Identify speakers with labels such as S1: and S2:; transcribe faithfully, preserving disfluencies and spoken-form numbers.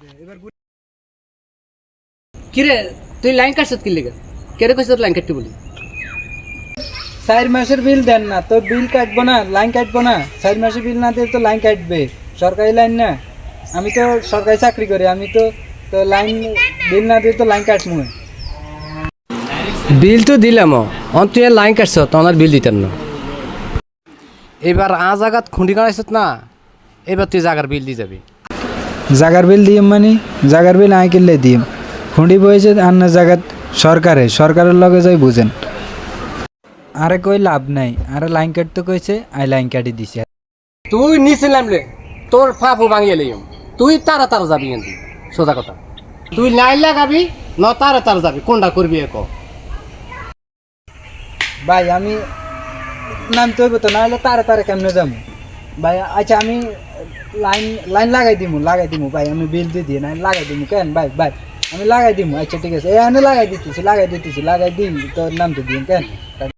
S1: কিরে তুই লাইন কাটছত কি লেগে কেরে কইছ লাইন কাটতে বলি
S2: চার মাসের বিল দেন না তো বিল কাটবো না লাইন কাটবো না চার মাসের বিল না দিলে তো লাইন কাটবে সরকারি লাইন না আমি তো সরকারি চাকরি করি আমি তো তো লাইন বিল না দিলে তো লাইন কাটবো
S1: বিল তো দিলাম অন তুই লাইন কাটছ তোমার বিল দিতেন না এবার আ জায়গাত খুঁটি কাটাইছত না এবার তুই জায়গার বিল দিয়ে যাবি
S2: জাগার বিল দিম মানে জাগার বিল আই কিনলে দিম খুঁড়ি বইছে আন্না জায়গাত সরকারে সরকারের লগে যাই বুঝেন আরে কই লাভ নাই আরে লাইন কাটতে কইছে আই লাইন কাটি দিছে
S1: তুই নিছিলাম রে তোর ফাফু ভাঙিয়ে লইম তুই তারা তারা যাবি কিন্তু সোজা কথা তুই লাইন লাগাবি ন তারা তারা যাবি কোনটা করবি এক
S2: ভাই আমি নামতে হইব তো নাহলে তারে তারে কেমনে যাবো ভাই আচ্ছা আমি লাইন লাইন লাগাই দিমু লাগাই দিমু ভাই আমি বিল দিয়ে দিই না লাগাই দিমু কেন ভাই ভাই আমি লাগাই দিমু আচ্ছা ঠিক আছে এখানে লাগাই দিতেছি লাগাই দিতেছি লাগাই দিই তোর নামতে দিন কেন